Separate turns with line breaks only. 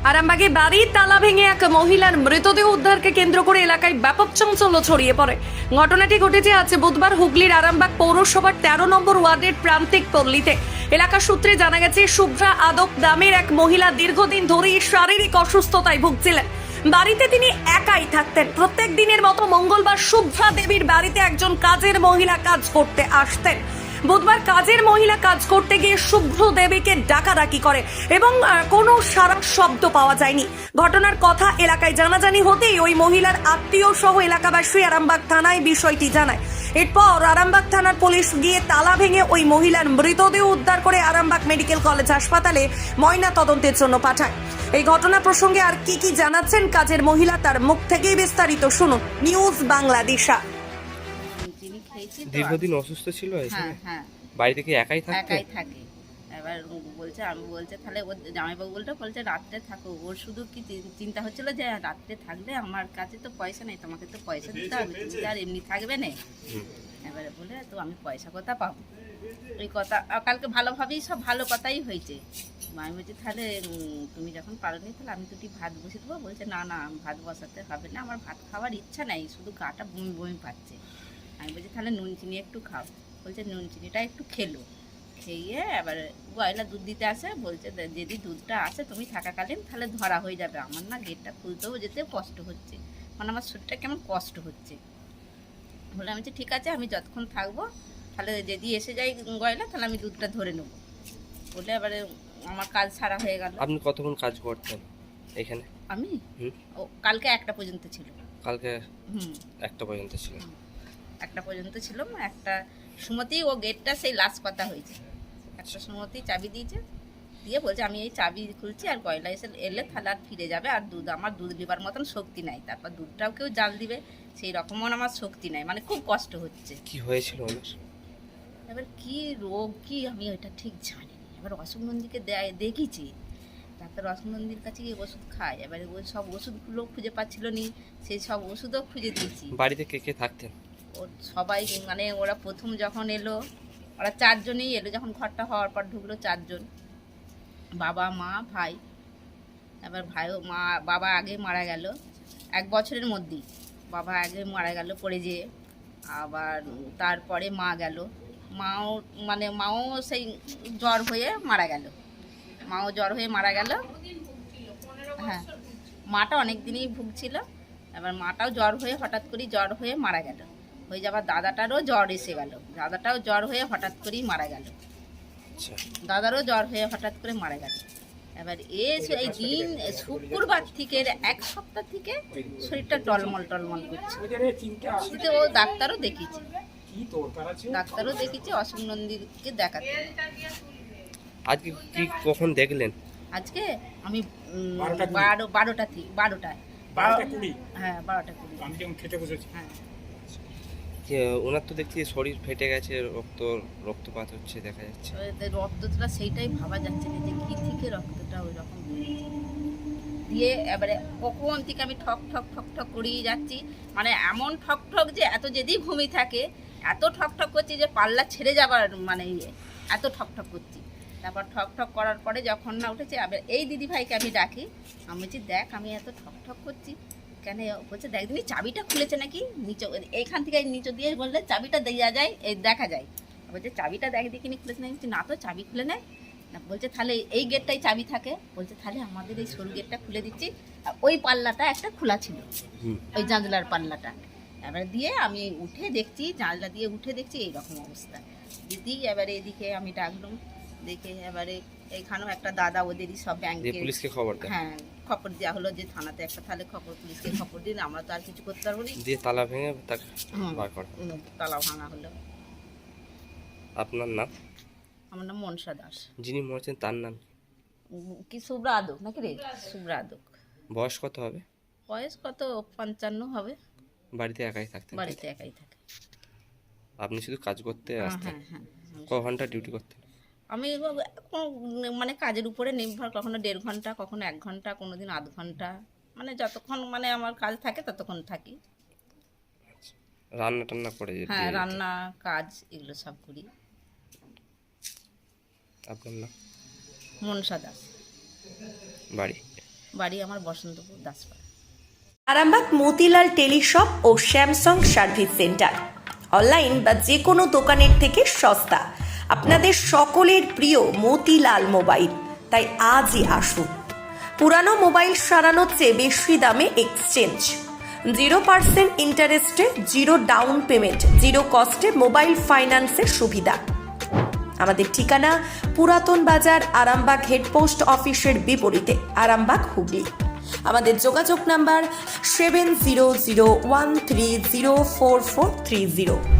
আরামবাগে বাড়ির তালা ভেঙে এক মহিলার মৃতদেহ উদ্ধারকে কেন্দ্র করে এলাকায় ব্যাপক চাঞ্চল্য ছড়িয়ে পড়ে। ঘটনাটি ঘটেছে আজ বুধবার হুগলির আরামবাগ পৌরসভার 13 নম্বর ওয়ার্ডের প্রান্তিক পল্লীতে। এলাকা সূত্রে জানা গেছে, শুভ্রা আদক নামের এক মহিলা দীর্ঘদিন ধরেই শারীরিক অসুস্থতায় ভুগছিলেন। বাড়িতে তিনি একাই থাকতেন। প্রত্যেক দিনের মতো মঙ্গলবার শুভ্রা দেবীর বাড়িতে একজন কাজের মহিলা কাজ করতে আসতেন। বুধবার কাজের মহিলা কাজ করতে গিয়ে শুভ্র দেবীকে ডাকাডাকি করে এবং কোনো সারা শব্দ পাওয়া যায়নি। ঘটনার কথা এলাকায় জানাজানি হতেই ওই মহিলার আত্মীয় সহ এলাকাবাসী আরামবাগ থানায় বিষয়টি জানায়। এরপর আরামবাগ থানার পুলিশ গিয়ে তালা ভেঙে ওই মহিলার মৃতদেহ উদ্ধার করে আরামবাগ মেডিকেল কলেজ হাসপাতালে ময়না তদন্তের জন্য পাঠায়। এই ঘটনা প্রসঙ্গে আর কি জানাচ্ছেন কাজের মহিলা, তার মুখ থেকেই বিস্তারিত শুনুন। নিউজ বাংলাদেশা।
দীর্ঘদিন অসুস্থ ছিল
হ্যাঁ হ্যাঁ
বাড়ি থেকে একাই থাকতো?
একাই থাকে। এবার বলছে, আমি বলছে তাহলে ওর জামাইবাবু বলছে রাত্রে থাকো। ওর শুধু কি চিন্তা হচ্ছিল যে রাত্রে থাকলে আমার কাছে তো পয়সা নেই, তোমাকে তো পয়সা দিতে হবে, তুমি আর এমনি থাকবে না। এবারে বলে তো আমি পয়সা কোথা পাবো, এই কথা কালকে ভালোভাবেই সব ভালো কথাই হয়েছে। আমি বলছি তাহলে তুমি যখন পারোনি তাহলে আমি দুটি ভাত বসে দেবো। বলছে না না ভাত বসাতে হবে না, আমার ভাত খাওয়ার ইচ্ছা নেই, শুধু গাটা বমি বমি পাচ্ছে। আমি বলছি তাহলে নুন চিনি একটু খাও। বলছে নুন চিনিটা একটু খেলো, খেয়ে এবার গয়লা দুধ দিতে আসে। বলছে যদি দুধটা আসে তুমি থাকাকালীন তাহলে ধরা হয়ে যাবে। আমার না গেটটা খুলতেও যেতে কষ্ট হচ্ছে, মানে আমার শরীরটা কেমন কষ্ট হচ্ছে। বলে আমি বলছি ঠিক আছে, আমি যতক্ষণ থাকবো তাহলে যদি এসে যাই গয়লা তাহলে আমি দুধটা ধরে নেবো। বলে এবারে আমার কাজ সারা হয়ে গেল।
আপনি কতক্ষণ কাজ করতেন এখানে?
আমি ও কালকে 1টা পর্যন্ত ছিল।
কালকে 1টা পর্যন্ত ছিল?
1টা পর্যন্ত ছিল। একটা সুমতি ও গেটটা সেই লাস্ট কথা হয়েছে। একটা সুমতি চাবি দিয়েছে, দিয়ে বলছে আমি এই চাবি খুলছি আর গয়লা এসে এলে তাহলে আর ফিরে যাবে। আর দুধ আমার দুধ নেবার মতন শক্তি নাই, তারপর দুধটাও কেউ জাল দিবে সেই রকমও আমার শক্তি নাই, মানে খুব কষ্ট হচ্ছে।
কি হয়েছিল ওনার?
এবার কি রোগ কি আমি ওইটা ঠিক জানি না। এবার অশোক নন্দীকে দেখিছি, ডাক্তার অশোক নন্দীর কাছে গিয়ে ওষুধ খায়। এবারে ওই সব ওষুধগুলো খুঁজে পাচ্ছিল নি, সেই সব ওষুধও খুঁজে দিয়েছি।
বাড়িতে কে কে থাকতেন?
ও সবাই, মানে ওরা প্রথম যখন এলো ওরা 4 জনই এলো, যখন ঘরটা হওয়ার পর ঢুকলো 4 জন, বাবা মা ভাই। এবার ভাইও মা বাবা আগে মারা গেল 1 বছরের মধ্যেই, বাবা আগে মারা গেল পড়ে যেয়ে। আবার তারপরে মা গেল, মাও সেই জ্বর হয়ে মারা গেল, মাও জ্বর হয়ে মারা গেল। হ্যাঁ, মাটা অনেক দিনই ভুগছিল। এবার মাটাও জ্বর হয়ে হঠাৎ করে জ্বর হয়ে মারা গেল। হয়ে যাবার দাদাটারও জ্বর এসে গেল, দাদাটাও জ্বর হয়ে হঠাৎ করেই মারা গেল। দাদারও জ্বর হয়ে হঠাৎ করে মারা গেল। এবার এই দিন শুক্রবার থেকে 1 সপ্তাহ থেকে শরীরটা টলমল করছে। ও ডাক্তারও দেখিয়েছে, অশোক নন্দীকে দেখাতে।
আজকে কি কখন দেখলেন?
আজকে আমি 12টায়। হ্যাঁ 12টা 20
আমি খেতে বসেছি।
হ্যাঁ।
ওনার তো দেখছি শরীর ফেটে গেছে, রক্তপাত হচ্ছে দেখা যাচ্ছে।
রক্তটা সেইটাই ভাবা যাচ্ছে না যে কি থেকে রক্তটা ওই রকম দিয়ে। এবারে কখন থেকে আমি ঠক ঠক ঠক ঠক করিয়ে যাচ্ছি, মানে এমন ঠক ঠক যে এত যদি ঘুমিয়ে থাকে এত ঠক ঠক করছি যে পাল্লা ছেড়ে যাবার মানে এত ঠক ঠক করছি। তারপর ঠক ঠক করার পরে যখন না উঠেছে, আবার এই দিদিভাইকে আমি ডাকি, আমি বলছি দেখ আমি এত ঠক ঠক করছি কেন? বলছে দেখ দিনি চাবিটা খুলেছে নাকি নিচে, এইখান থেকে নিচে দিয়ে বললে চাবিটা দেওয়া যায়, এই দেখা যায়। বলছে চাবিটা দেখ দেখিনি খুলেছে নাকি? না তো চাবি খুলে নেয় না। বলছে তাহলে এই গেটটাই চাবি থাকে। বলছে তাহলে আমাদের এই সরু গেটটা খুলে দিচ্ছি। ওই পাল্লাটা একটা খোলা ছিল, ওই জানলার পাল্লাটা। এবার দিয়ে আমি উঠে দেখছি, জানলা দিয়ে উঠে দেখছি এইরকম অবস্থা। দিদি এবারে এদিকে আমি ডাকলাম, দেখে এবারে এইখানেও একটা দাদা ওদেরই সব ব্যাংকে
পুলিশকে খবর দেয়।
হ্যাঁ খবর দেওয়া হলো যে থানাতে একটা তাহলে পুলিশকে খবর দিন, আমরা তো আর কিছু করতে পারবো না।
দিয়ে তালা ভেঙে তাকে বার করা।
তালা ভাঙা হলো।
আপনার নাম?
আমার নাম মনসা দাস।
যিনি মরেছেন তার নাম
কি শুভ্রা আদক নাকি রে? শুভ্রা আদক।
বয়স কত হবে?
বয়স কত 55 হবে।
বাড়িতে একাই থাকতেন?
বাড়িতে একাই থাকে।
আপনি শুধু কাজ করতে আসতেন?
হ্যাঁ।
ক ঘন্টা ডিউটি করতেন?
আমি মানে কাজের উপরে নির্ভর, কখনো 1.5 ঘন্টা, কখনো 1 ঘন্টা, কোনোদিন আধ ঘন্টা, মানে যতক্ষণ মানে আমার কাজ থাকে ততক্ষণ থাকি।
রান্না টান্না করে?
হ্যাঁ রান্না কাজ এগুলো সব করি।
আপনার নাম?
মনসা দাস।
বাড়ি?
বাড়ি আমার বসন্তপুর দাসপাড়া।
আরামবাগ মতিলাল টেলিশপ ও স্যামসাং সার্ভিস সেন্টার অনলাইন বা যে কোনো দোকানের থেকে সস্তা। আপনাদের সকলের প্রিয় মতিলাল মোবাইল, তাই আজই আসুন। পুরানো মোবাইল সারানোর চেয়ে বেশি দামে এক্সচেঞ্জ, 0% ইন্টারেস্টে, 0 ডাউন পেমেন্ট, 0 কস্টে মোবাইল ফাইন্যান্সের সুবিধা। আমাদের ঠিকানা পুরাতন বাজার, আরামবাগ হেডপোস্ট অফিসের বিপরীতে, আরামবাগ হুগলি। আমাদের যোগাযোগ নাম্বার 7001304430।